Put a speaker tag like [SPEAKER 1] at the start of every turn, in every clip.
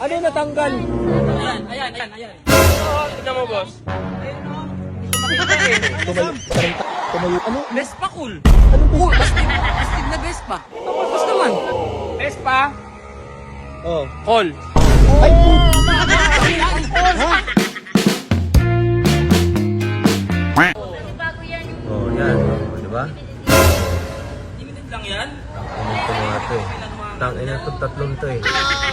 [SPEAKER 1] Ano yung natanggal?
[SPEAKER 2] Ayan.
[SPEAKER 3] Oo, tignan mo, boss.
[SPEAKER 1] Tumayo. Ano?
[SPEAKER 2] Vespa cool.
[SPEAKER 1] Ano ba?
[SPEAKER 2] Astig na Vespa. Tapos naman.
[SPEAKER 3] Vespa,
[SPEAKER 1] Oh.
[SPEAKER 3] call.
[SPEAKER 1] Ay,
[SPEAKER 4] Ha? Bago yan yung
[SPEAKER 1] Oh, yan. Oh, diba?
[SPEAKER 2] Limited lang yan.
[SPEAKER 1] Ito mga to eh. Tangina to, tatlong to eh.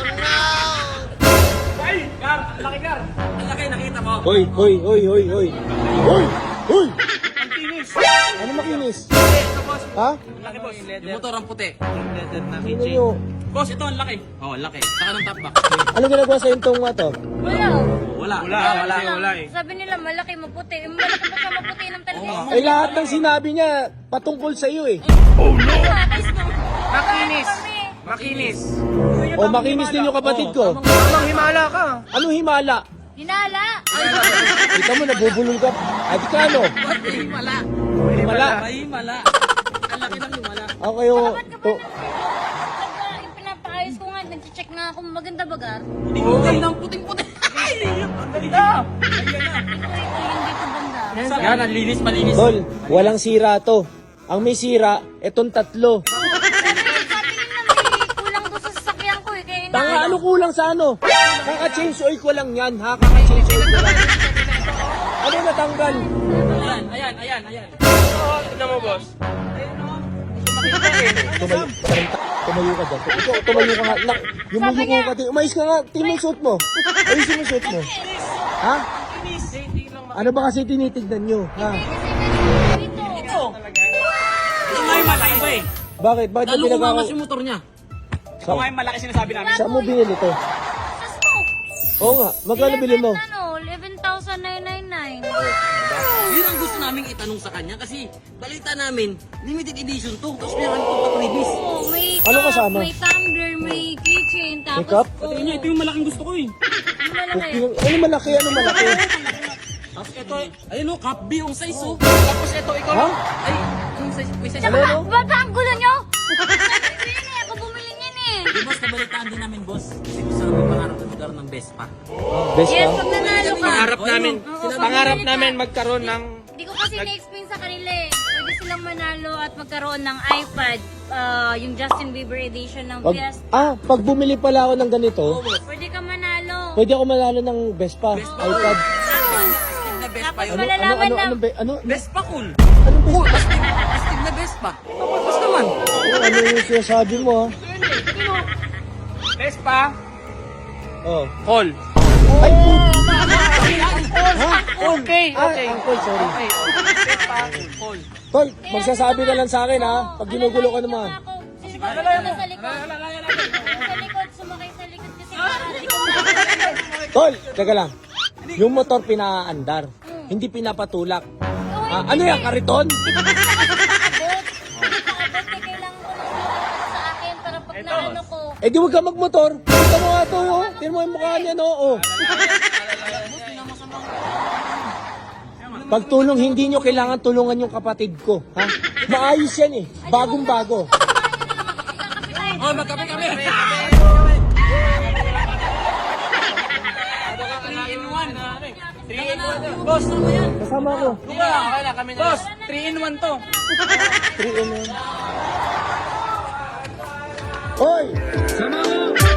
[SPEAKER 3] Ay, Gar, ang laki, Gar.
[SPEAKER 2] Ang laki nakita mo.
[SPEAKER 1] Hoy! Hoy! Hoy!
[SPEAKER 3] Ang tinis.
[SPEAKER 1] Ano makinis?
[SPEAKER 3] Ito, boss.
[SPEAKER 1] Ha?
[SPEAKER 3] Ang laki, boss.
[SPEAKER 2] Yung motor ang puti.
[SPEAKER 3] Leather na
[SPEAKER 1] Ano nyo?
[SPEAKER 2] Boss, ito ang laki. Oh, laki. Saka ng top box.
[SPEAKER 1] Ano ginagawa sa intong nga to?
[SPEAKER 4] wala.
[SPEAKER 3] Wala eh.
[SPEAKER 4] Sabi nila malaki, maputi. Malaki pa siya maputi ng talaga.
[SPEAKER 1] Eh lahat ng sinabi niya patungkol sa iyo eh.
[SPEAKER 3] Makinis. Makinis.
[SPEAKER 1] O makinis din yung kapatid ko.
[SPEAKER 3] Tamang himala ka.
[SPEAKER 1] Ano himala?
[SPEAKER 4] Hinala.
[SPEAKER 1] Kita mo nabubulol ka. Ay di ka ano?
[SPEAKER 2] Ba't may himala?
[SPEAKER 1] Himala.
[SPEAKER 2] May himala. Ang laki ng himala.
[SPEAKER 1] Ako kayo.
[SPEAKER 4] Ba't ka pa yung pinapaayos ko nga, nag-check nga ako maganda bagar.
[SPEAKER 2] Puting ng puting-puti. Ay!
[SPEAKER 3] Ang ganda.
[SPEAKER 4] Ito yung dito banda.
[SPEAKER 2] Yan, ang linis, malinis.
[SPEAKER 1] Tol, walang sira to. Ang may sira, etong tatlo.
[SPEAKER 4] Sabi nila may kulang doon sa sasakyan ko eh. Kaya
[SPEAKER 1] Tanga, ano kulang sa ano? Kaka-change oil ko lang yan, ha? Kaka-change oil ko lang. Ano yung natanggal?
[SPEAKER 2] Ayan.
[SPEAKER 3] Oo, tignan mo, boss.
[SPEAKER 1] Tumayo ka dyan. Ikaw, tumayo ka nga. Yumuko ka din. Umayos ka nga. Tingnan mo yung suot mo. Ayusin mo yung suot mo. Ha? Ano ba kasi tinitignan nyo? Ha?
[SPEAKER 4] dito.
[SPEAKER 2] Ito nga yung malaki ba eh.
[SPEAKER 1] Bakit? Bakit
[SPEAKER 2] Lalo
[SPEAKER 1] yung pinagawa?
[SPEAKER 2] kumamas yung motor niya.
[SPEAKER 3] Ito nga yung malaki sinasabi namin.
[SPEAKER 1] Saan mo binili to?
[SPEAKER 4] Sas mo.
[SPEAKER 1] Oo nga. Magkano bili mo?
[SPEAKER 4] 11,999.
[SPEAKER 2] Yun ang gusto naming itanong sa kanya kasi balita namin, limited edition to. Tapos meron itong pa-previous.
[SPEAKER 4] Oh, may
[SPEAKER 1] Ano
[SPEAKER 4] cup,
[SPEAKER 1] kasama?
[SPEAKER 4] may tumbler, may keychain, tapos...
[SPEAKER 1] May cup?
[SPEAKER 4] Oh,
[SPEAKER 2] Ito yung malaking gusto ko eh.
[SPEAKER 4] ang malaki.
[SPEAKER 1] Ano malaki? Ano malaki?
[SPEAKER 2] Tapos ito, ayun o, cup B yung size oh.
[SPEAKER 3] Tapos ito, ikaw
[SPEAKER 1] Ha?
[SPEAKER 2] Ay, yung size, may size.
[SPEAKER 1] Ano, ano?
[SPEAKER 4] Ba't ba ang gulo nyo? Sabi yan eh, ako bumili niyan eh.
[SPEAKER 2] Di boss, nabalitaan din namin boss. Kasi gusto namin pangarap na lugar ng Vespa.
[SPEAKER 1] Best
[SPEAKER 4] Yes,
[SPEAKER 1] pa?
[SPEAKER 4] pag nanalo ka.
[SPEAKER 3] Pangarap namin magkaroon ng
[SPEAKER 4] Hindi ko kasi na-explain sa kanila eh. Pwede silang manalo at magkaroon ng iPad, yung Justin Bieber edition ng Fiesta.
[SPEAKER 1] Pag bumili pala ako ng ganito,
[SPEAKER 4] Pwede ka manalo.
[SPEAKER 1] pwede ako manalo ng Vespa, iPad.
[SPEAKER 2] Na Vespa
[SPEAKER 4] Tapos
[SPEAKER 2] yun.
[SPEAKER 4] malalaman na...
[SPEAKER 2] Vespa cool.
[SPEAKER 1] Ano ba?
[SPEAKER 2] Cool, astig na Vespa. Tapos naman.
[SPEAKER 1] Ano yung sinasabi mo, ha?
[SPEAKER 3] Vespa,
[SPEAKER 1] Oh.
[SPEAKER 3] call.
[SPEAKER 1] Ay,
[SPEAKER 3] Okay,
[SPEAKER 1] Uncle, sorry.
[SPEAKER 3] Vespa, call.
[SPEAKER 1] Tol, magsasabi ka lang sa akin, ha? Pag ginugulo ka naman.
[SPEAKER 4] Sumakay sa likod. Sa likod, sumakay sa likod kasi para di ko makakita.
[SPEAKER 1] Tol, teka lang. Yung motor pinaandar, hindi pinapatulak. Ano yan, kariton?
[SPEAKER 4] Hindi pa kasi nakakabot. Hindi pa abot eh, kailangan ko ng sumakay sa akin para pag naano ko.
[SPEAKER 1] Eh di huwag ka magmotor. Tignan mo nga to, oh. Tignan mo yung mukha niya, no? Oh. Pagtulong, hindi nyo kailangan tulungan yung kapatid ko. Ha? Maayos yan eh. Bagong-bago.
[SPEAKER 2] Oh, magkape kami. 3-in-1. Boss, ano yan?
[SPEAKER 1] Kasama ko.
[SPEAKER 3] Okay na, kami na. Boss, 3-in-1 to.
[SPEAKER 1] 3 in 1. Hoy! Sama mo!